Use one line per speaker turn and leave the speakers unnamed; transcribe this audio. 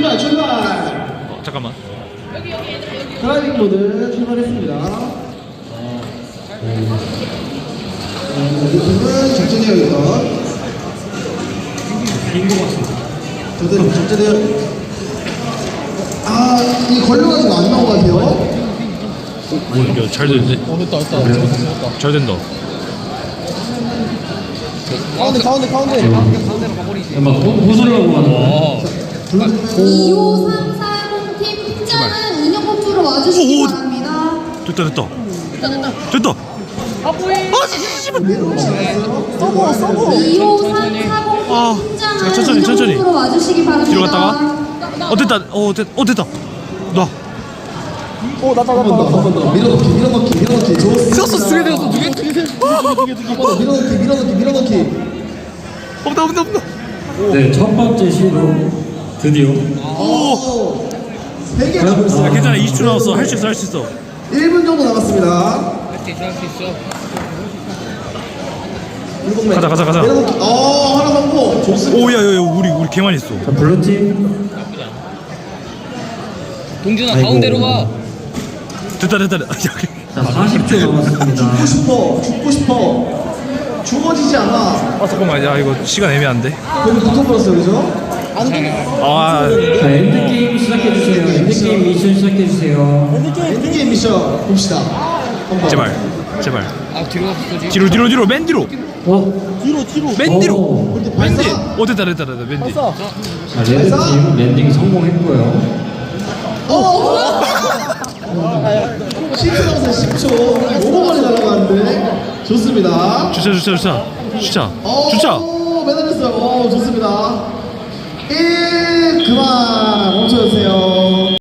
출발 출발.
잠깐만.
드라이빙 모드 출발했습니다. 루팅은 작전이에요 이거. 저도 작전이에요. 아, 이 걸려가지고 안 나온 것 같아요.
오, 이거 잘 되는데?
됐다.
잘 된다.
가운데.
막 부수려고 하는 거야.
25340팀 팀장은 운영본부로 와주시기
오,
바랍니다.
됐다.
서버.
25340팀
아,
팀장은
천천히.
운영본부로 와주시기 바랍니다.
뒤로 갔다가. 됐다. 나.
한번 더. 밀어넣기. 좋습니다.
두개 되었어.
밀어넣기.
없다.
네, 첫 번째 시도 드디어.
오.
3개 남았어요.
괜찮아. 20초 남았어. 할 수 있어.
1분 정도 남았습니다.
가자.
밀어넣기. 하나 성공. 좋습니다.
오, 야, 우리 개 많이 했어.
자, 블루팀.
동준아
아이고.
가운데로 가.
됐다.
자, 40초 남았습니다.
죽고 싶어. 죽어지지 않아.
잠깐만. 야, 이거 시간 애매한데.
거기 붙어버렸어요, 그죠?
아,
자, 엔드게임 시작해주세요. 엔드게임 미션 시작해주세요.
엔드게임 미션 봅시다. 한번.
제발.
아 뒤로 갔었지.
뒤로. 맨 뒤로. 맨 뒤로.
오.
맨 뒤. 됐다. 맨 뒤.
자, 레드팀 랜딩 성공했고요.
10초 남았어요, 10초. 너무 많이 날아가는데. 좋습니다.
주차.
매달렸어요. 좋습니다. 1, 그만.